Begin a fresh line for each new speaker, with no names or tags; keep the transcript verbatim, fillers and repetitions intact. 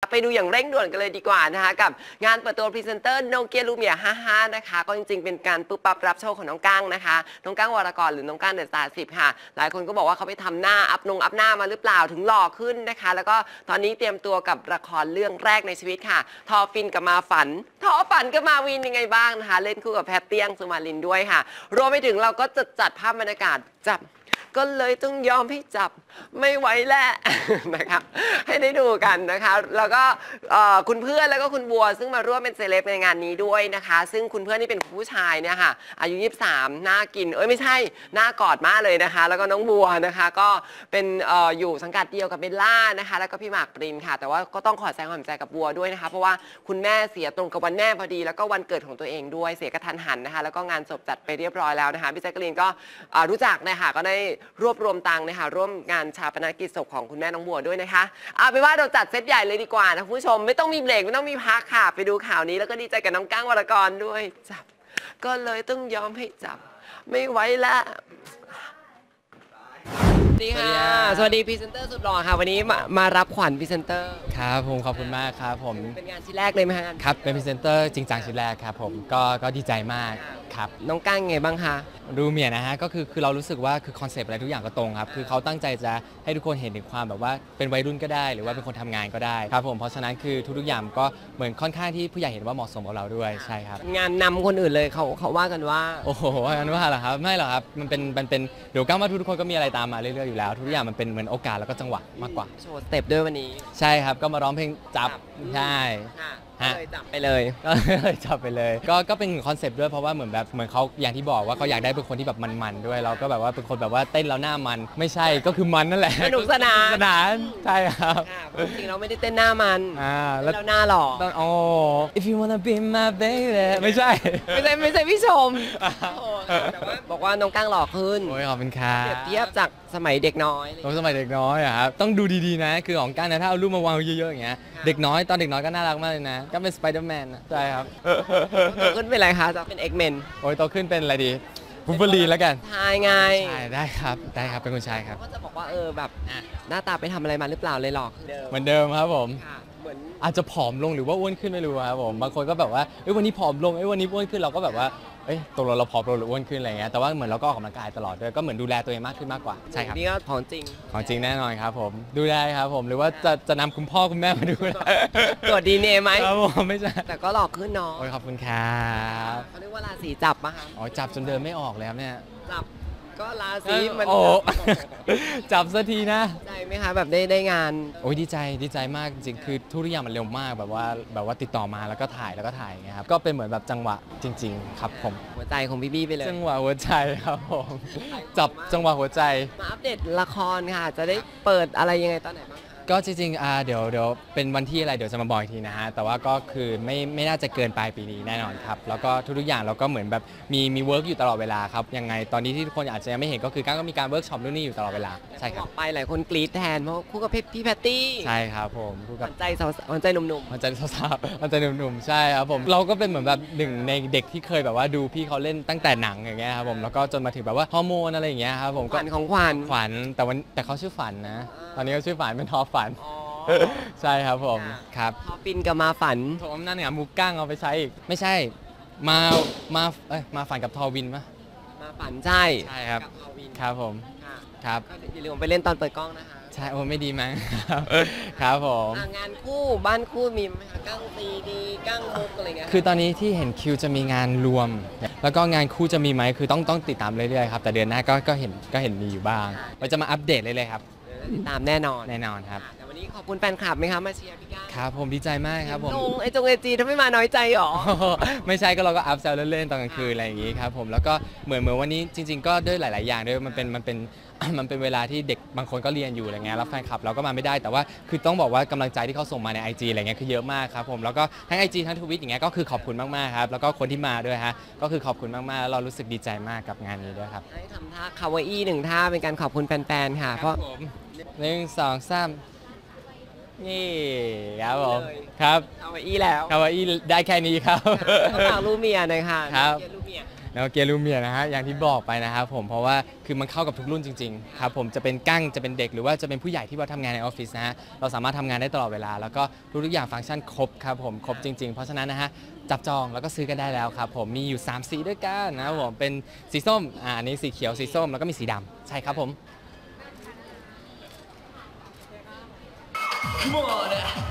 ไปดูอย่างเร่งด่วนกันเลยดีกว่านะคะกับงานเปิดตัวพรีเซนเตอร์โนเกียลูเมียห้าห้านะคะก็จริงๆเป็นการปุ๊บปั๊บรับโชคของน้องก้างนะคะน้องก้างวรกรหรือน้องก้างเดอะสตาร์สิบค่ะหลายคนก็บอกว่าเขาไปทำหน้าอัพนงอัพหน้ามาหรือเปล่าถึงหล่อขึ้นนะคะแล้วก็ตอนนี้เตรียมตัวกับละครเรื่องแรกในชีวิตค่ะทอฟินกับมาฝันทอฝันกับมาวินยังไงบ้างนะคะเล่นคู่กับแพทเตียงสุมาลินด้วยค่ะรวมไปถึงเราก็จะจัดภาพบรรยากาศจับก็เลยต้องยอมให้จับไม่ไหวแล้วนะคะให้ได้ดูกันนะคะแล้วก็คุณเพื่อนแล้วก็คุณบัวซึ่งมาร่วมเป็นเซเลบในงานนี้ด้วยนะคะซึ่งคุณเพื่อนนี่เป็นผู้ชายเนี่ยค่ะอายุยี่สิบสามหน้ากินเอ้ยไม่ใช่หน้ากอดมากเลยนะคะแล้วก็น้องบัวนะคะก็เป็นออยู่สังกัดเดียวกับเบลล่านะคะแล้วก็พี่หมากปรินค่ะแต่ว่าก็ต้องขอแสดงความเสียใจกับบัวด้วยนะคะเพราะว่าคุณแม่เสียตรงกับวันแม่พอดีแล้วก็วันเกิดของตัวเองด้วยเสียกระทันหันนะคะแล้วก็งานศพจัดไปเรียบร้อยแล้วนะคะพี่แจ๊กกะลีนก็รู้จักนะคะก็ได้รวบรวมตังค์นะคะร่วมงานชาปนกิจศพของคุณแม่น้องบัวด้วยนะคะเอาเป็นว่าเราจัดเซตใหญ่เลยดีกว่านะคุณผู้ชมไม่ต้องมีเบรกไม่ต้องมีพักค่ะไปดูข่าวนี้แล้วก็ดีใจกับน้องก้างวรกรด้วยจับก็เลยต้องยอมให้จับไม่ไหวแล้วสวัสดีค่ะสวัสดีพรีเซนเตอร์สุดหล่อค่ะวันนี้มามารับขวัญพรีเซนเตอร์
ครับผมขอบคุณมากครับผม
เป็นงานชิ้นแรกเลยไหมคะ
ครับเป็นพรีเซนเตอร์จริงจังชิ้นแรกครับผมก็ก็ดีใจมากครับ
น้องก้างไงบ้างคะ
รูเมียนะฮะก็คือคือเรารู้สึกว่าคือคอนเซปต์อะไรทุกอย่างก็ตรงครับคือเขาตั้งใจจะให้ทุกคนเห็นถึงความแบบว่าเป็นวัยรุ่นก็ได้หรือว่าเป็นคนทำงานก็ได้ครับผมเพราะฉะนั้นคือทุกๆอย่างก็เหมือนค่อนข้างที่ผู้ใหญ่เห็นว่าเหมาะสมกับเราด้วยใช่ครับ
งานนำคนอื่นเลยเขาเขาว่ากันว่า
โอ้โหว่ากันว่าเหรอครับไม่หรอกครับมันเป็นมันเป็นเดี๋ยวก้าวว่าทุกคนก็มีอะไรตามมาเรื่อยๆอยู่แล้วทุกอย่างมันเป็นเหมือนโอกาสแล้วก็จังหวะมากกว่า
โชว์สเต็ปด้วยวันนี้
ใช่ครับก็มาร้องเพลงจับใช่
เลยจับไปเลย
ก็เลยจับไปเลยก็ก็เป็นคอนเซปต์ด้วยเพราะว่าเหมือนแบบเหมือนเขาอย่างที่บอกว่าเขาอยากได้เป็นคนที่แบบมันๆด้วยเราก็แบบว่าเป็นคนแบบว่าเต้นแล้วหน้ามันไม่ใช่ก็คือมันนั่นแหละ
สนุกสนาน
สนานใช่ครับ
จริงเราไม่ได้เต้นหน้ามัน
อ่า
แล้วหน้าหล่อ
โอ้ if you wanna be my baby ไม่ใช่
ไม่ใช่ไม่ใช่พี่ชมแต่ว่าบอกว่าน้องก้างหล่อขึ้น
โอ้ยขอบคุณครับ
เปรียบเทียบจากสมัยเด็กน้อย
ตอนสมัยเด็กน้อยอะครับต้องดูดีๆนะคือของก้างนะถ้าเอารูปมาวางเยอะๆอย่างเงี้ยเด็กน้อยตอนเด็กน้อยก็น่ารักมากเลยนะก็เป็นสไปเดอร์แมนใช่ครับ
โตขึ้นเป็นอะไรคะจะเป็นเอ็กเมน
โอ้ยโตขึ้นเป็นอะไรดีบูเบอรีแล้วกัน
ชายไง
ใช่ได้ครับได้ครับเป็นคนชายครับ
ก็จะบอกว่าเออแบบหน้าตาไปทำอะไรมาหรือเปล่าเลยหลอก
เหมือนเดิมครับผมอาจจะผอมลงหรือว่าอ้วนขึ้นไม่รู้ครับผมบางคนก็แบบว่าเอ้ยวันนี้ผอมลงเอ้ยวันนี้อ้วนขึ้นเราก็แบบว่าเอ้ยตกลงเราผอมลงหรืออ้วนขึ้นอะไรเงี้ยแต่ว่าเหมือนเราก็ออกกำลังกายตลอดด้วยก็เหมือนดูแลตัวเองมากขึ้นมากกว่าใช่ครับ
นี่ก็ของจริง
ของจริงแน่นอนครับผมดูได้ครับผมหรือว่าจะจะนำคุณพ่อคุณแม่มาดู
ตรวจดีเอ็นเอไหม
ครับผมไม่ใช่
แต่ก็หลอกขึ้นเนาะ
โอ้ยขอบคุณครับ
เขาเรียกว่าราศีจับป่ะคะ
อ๋อจับจนเดินไม่ออกเลยครับเนี่ย
จับก็ราศีมัน
โอ้จับสักทีนะ
ใจไหมคะแบบได้ได้งาน
โอ้ยดีใจดีใจมากจริงคือทุกอย่างมันเร็วมากแบบว่าแบบว่าติดต่อมาแล้วก็ถ่ายแล้วก็ถ่ายไงครับก็เป็นเหมือนแบบจังหวะจริงๆครับผม
หัวใจของพี่บี้ไปเลย
จังหวะหัวใจครับผมจับจังหวะหัวใจ
มาอัปเดตละครค่ะจะได้เปิดอะไรยังไงตอนไหนบ้าง
ก็จริงๆอ่าเดี๋ยวเดี๋ยวเป็นวันที่อะไรเดี๋ยวจะมาบอกอีกทีนะฮะแต่ว่าก็คือไม่ไม่น่าจะเกินปลายปีนี้แน่นอนครับแล้วก็ทุกๆอย่างเราก็เหมือนแบบมีมีเวิร์กอยู่ตลอดเวลาครับยังไงตอนนี้ที่ทุกคนอาจจะยังไม่เห็นก็คือก้างก็มีการเวิร์กช็อปนู่นนี่อยู่ตลอดเวลาใช่ครับ
ไปหลายคนกรี๊ดแทนเพราะคู่กับพี่แพตตี้
ใช่ครับผมคู่กับ
ใจสาวใจหนุ่ม
ๆใจสาวๆใจหนุ่มๆใช่ครับผมเราก็เป็นเหมือนแบบหนึ่งในเด็กที่เคยแบบว่าดูพี่เขาเล่นตั้งแต่หนังอย่างเงี้ยครับผมแล้วก็จนมาถึงแบบว่าฮอร์โมนอะไรอย่างเงี้ยครับผม
ขวัญของขวัญ
ขวัญแต่วันแต่เขาชื่อฝันนะตอนนี้เขาชื่อฝันเป็นทอฝันใช่ครับผมครับ
ทอปินกับมาฝัน
โถมนั่นเนี่ยมูก้างเอาไปใช้อีกไม่ใช่มามาเอ้ยมาฝันกับทอวินปะ
มาฝันใช่
ใช่ครับครับผมครับ
อย่าลืมไปเล่นตอนเปิดกล้องนะคะ
ใช่โอ้ไม่ดีมั้งครับผม
งานคู่บ้านคู่มีไหมคะก้างซีดีก้างมุกอะไรเงี้ย
คือตอนนี้ที่เห็นคิวจะมีงานรวมแล้วก็งานคู่จะมีไหมคือต้องต้องติดตามเรื่อยๆครับแต่เดือนหน้าก็ก็เห็นก็เห็นมีอยู่บ้างเราจะมาอัปเดตเรื่อยๆครับ
ติดตามแน่นอน
แน่นอนครับ
วันนี้ขอบคุณแฟนคลับไหมคะมาเชียร์พี่ก้าง
ครับผมดีใจมากครับผม
จงไอจงไอจีถ้าไม่มาน้อยใจหรอ
ไม่ใช่ก็เราก็อัพแซลเล่นๆตอนกลางคืนอะไรอย่างงี้ครับผมแล้วก็เหมือนเหมือนวันนี้จริงๆก็ด้วยหลายๆอย่างด้วยมันเป็นมันเป็นมันเป็นเวลาที่เด็กบางคนก็เรียนอยู่อะไรเงี้ยแล้วแฟนคลับเราก็มาไม่ได้แต่ว่าคือต้องบอกว่ากำลังใจที่เขาส่งมาใน ไอ จี อะไรเงี้ยคือเยอะมากครับผมแล้วก็ทั้ง ไอ จี ทั้งทวิตอย่างเงี้ยก็คือขอบคุณมากๆครับแล้วก็คนที่มาด้วยฮะก็คือขอบคุณมากๆแล้วเรารู้สึกดีใจมากกับงานนี้ด้วยครับ
ให้ทำท่าคาวาอี้หนึ่งท่าเป็นการขอบคุณแฟนๆค่ะเพราะ
หนึ่งสองสามนี่ครับผมครับ
คาวาอี้แล้ว
คาวาอี้ได้แค่นี้ครับ
ฝากลูเมียหน่อยค่ะ
ครับโนแล้วเกียร์ลูเมียนะฮะอย่างที่บอกไปนะครับผมเพราะว่าคือมันเข้ากับทุกรุ่นจริงๆครับผมจะเป็นกั้งจะเป็นเด็กหรือว่าจะเป็นผู้ใหญ่ที่ว่าทำงานในออฟฟิศนะฮะเราสามารถทำงานได้ตลอดเวลาแล้วก็ทุกๆอย่างฟังก์ชันครบครับผมครบจริงๆ เพราะฉะนั้นนะฮะจับจองแล้วก็ซื้อกันได้แล้วครับผมมีอยู่สามสีด้วยกันนะครับผมเป็นสีส้มอ่าอันนี้สีเขียวสีส้มแล้วก็มีสีดำใช่ครับผม
Come on